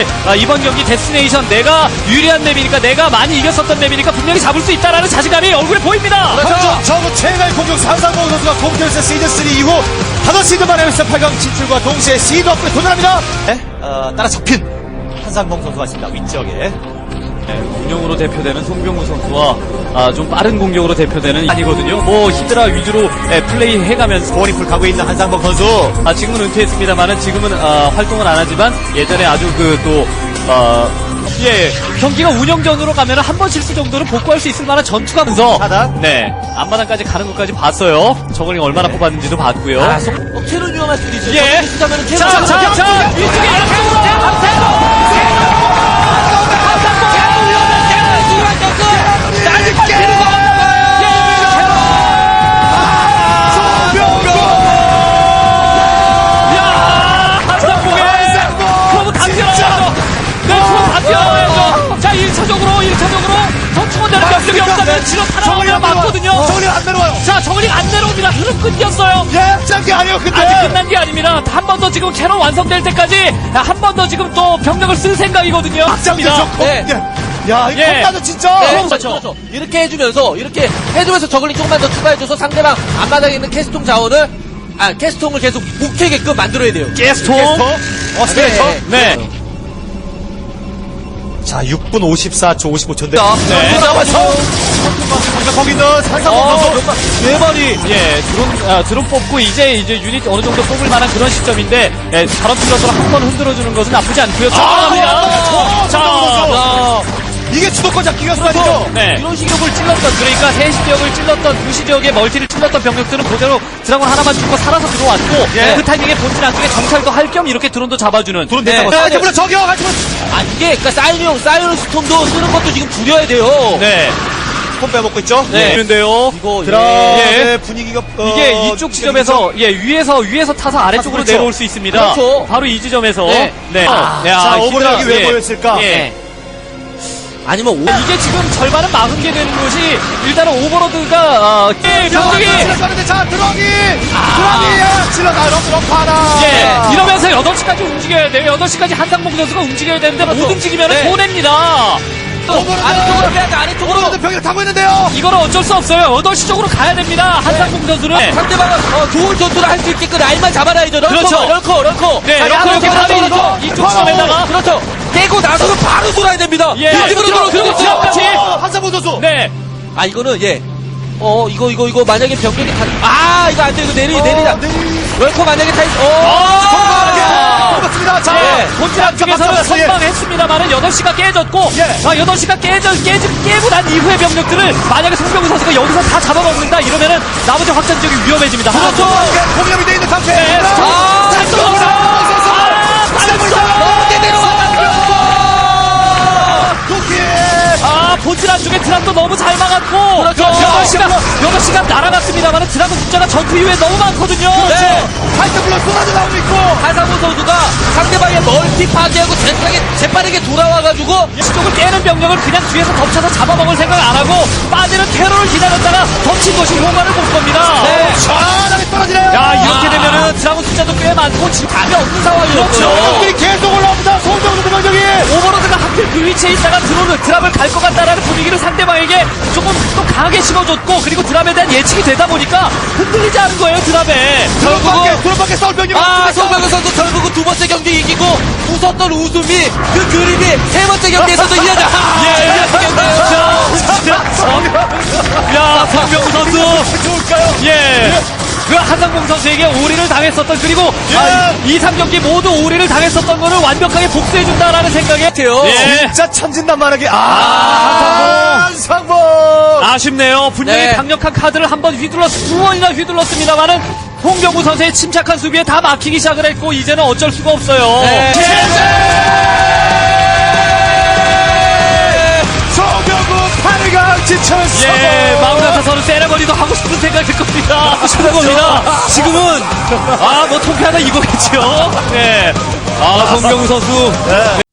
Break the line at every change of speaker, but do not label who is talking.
이번 경기 데스티네이션 내가 유리한 맵이니까 내가 많이 이겼었던 맵이니까 분명히 잡을 수 있다라는 자신감이 얼굴에 보입니다.
그렇죠. 저거 최강의 공격 산상봉 선수가 홈케어스 시즌3 이후 5시즌 만에 웨스턴 8강 진출과 동시에 시드 업에 도전합니다. 네? 따라 잡힌 한상봉 선수가 있습니다. 위쪽에.
운영으로 대표되는 송병구 선수와 좀 빠른 공격으로 대표되는 아니거든요. 뭐 히드라 위주로 플레이 해가면서
고리풀 가고 있는 한상봉 선수.
지금은 은퇴했습니다만은 지금은 활동은 안 하지만 예전에 아주 경기가 운영전으로 가면은 한 번 실수 정도는 복구할 수 있을 만한 전투가 면서 네 앞마당까지 가는 것까지 봤어요. 저걸링 얼마나 뽑았는지도 봤고요.
테론 위험할 수도 있어요.
예. 자 위쪽에 자 1차적으로 전충원대는 격격이 없다면 질럿 하나 오면 맞거든요.
저글링 안 내려와요.
자 저글링 안 내려옵니다. 흐름 끊겼어요.
예, 짠게 아니에요. 근데
아직 끝난 게 아닙니다. 한 번 더 지금 캐논 완성될 때까지 한 번 더 지금 또 병력을 쓸 생각이거든요.
막장이죠.
네.
야, 이거 겁나죠 진짜.
네, 그렇죠. 이렇게 해주면서 저글링 조금만 더 추가해줘서 상대방 앞마당에 있는 캐스통 자원을 캐스통을 계속 못 캐게끔 만들어야 돼요.
게스통.
스페이터.
네.
자, 6분 54초 55초인데.
네.
거기 있는 한상봉 선수.
네 마리. 드론 뽑고 이제 유닛 어느 정도 뽑을 만한 그런 시점인데, 저런 플러스로 한 번 흔들어주는 것은 나쁘지 않고요.
자, 이게 주도권 잡기 위해서 말이죠.
네. 이런 시격을 찔렀던, 그러니까 3시 지역을 찔렀던, 2시 지역에 멀티를 찔렀던 병력들은 그대로 드라곤 하나만 죽고 살아서 들어왔고, 그 타이밍에 본진 안쪽에 정찰도 할 겸 이렇게 드론도 잡아주는.
드론 대상으로. 물론 저기요, 같이
이게, 그니까 사이언 스톰도 쓰는 것도 지금 줄여야 돼요.
네.
폰 빼먹고 있죠?
네. 그런데요.
이거,
드라의 분위기가,
이게 이쪽 지점에서, 위에서 타서 아래쪽으로
그렇죠.
내려올 수 있습니다.
그렇죠.
바로 이 지점에서.
네.
자, 오버락이 왜 보였을까?
아니면
이게 지금 절반은 막은 게 되는 것이 일단은 오버로드가 병력이
자, 드라기 질러 럼프 하나.
이러면서 8시까지 움직여야 돼요. 8시까지 한상봉 선수가 움직여야 되는데 못 움직이면 손해입니다.
아래쪽으로 빼야돼. 아래쪽으로.
오버로드 병력 타고 있는데요.
이거는 어쩔 수 없어요. 8시 쪽으로 가야 됩니다. 한상봉 선수는.
상대방은 좋은 전투를 할 수 있게끔 라인만 잡아놔야죠.
그렇죠.
럴커.
네, 이렇게 바로 이쪽 지점에다가.
그렇죠. 깨고 나서는 바로 돌아야 됩니다.
그리고 지압까지.
한상봉 선수.
네.
이거는 이거 만약에 병력이 이거 안 돼. 이거 내리다. 럴커 만약에
맞습니다. 자,
본진 안쪽에서는 선방했습니다만은 8시가 깨졌고 8시가 깨고 난 이후의 병력들을 만약에 송병구 선수가 여기서 다 잡아먹는다 이러면은 나머지 확장 지역이 위험해집니다.
그렇죠. 공격이 돼 있는 상태. 본진 안쪽에 드랍도 너무 잘 막았고 8시간 날아갔습니다만 드랍은 숫자가 전투 이후에 너무 많거든요. 파이터블러 쏟아져 나오고 있고
한상봉 선수가 상대방의 멀티 파괴하고 재빠르게 돌아와가지고
이쪽을 깨는 병력을 그냥 뒤에서 덮쳐서 잡아먹을 생각 안 하고 빠지는 테러를 기다렸다가 덮친 것이 효과를 볼 겁니다.
시원하게 떨어지네요.
이렇게 되면은 드랍은 숫자도 꽤 많고 지금 답이 없는 상황이었죠.
병력들이 계속 올라옵니다. 송병구 병력이.
오버로드가 하필 그 위치에 있다가 드랍을 갈 것 같다라는 분위기를 상대방에게 조금 또 강하게 심어줬고 그리고 드랍에 대한 예측이 되다 보니까 흔들리지 않은 거예요. 드랍에
드론밖에 싸울 병력이
송병구 선수 결국은 두 번째 경기 이기고 웃었던 웃음이 그 그림이 세 번째 경기에서도 이어져.
송병구 선수
좋을까요?
그 한상봉 선수에게 오리를 당했었던 그리고 2, 3경기 모두 오리를 당했었던 거를 완벽하게 복수해준다라는 생각이
같아요.
진짜 천진난만하게 한상봉
아쉽네요. 분명히 강력한 카드를 한 번 두 번이나 휘둘렀습니다만은 송병구 선수의 침착한 수비에 다 막히기 시작을 했고 이제는 어쩔 수가 없어요.
송병구 8강 진출
마음같아서는 세레머니도 하고 싶은 생각일 겁니다. 지금은 뭐 통쾌하다 이거겠죠. 송병구 선수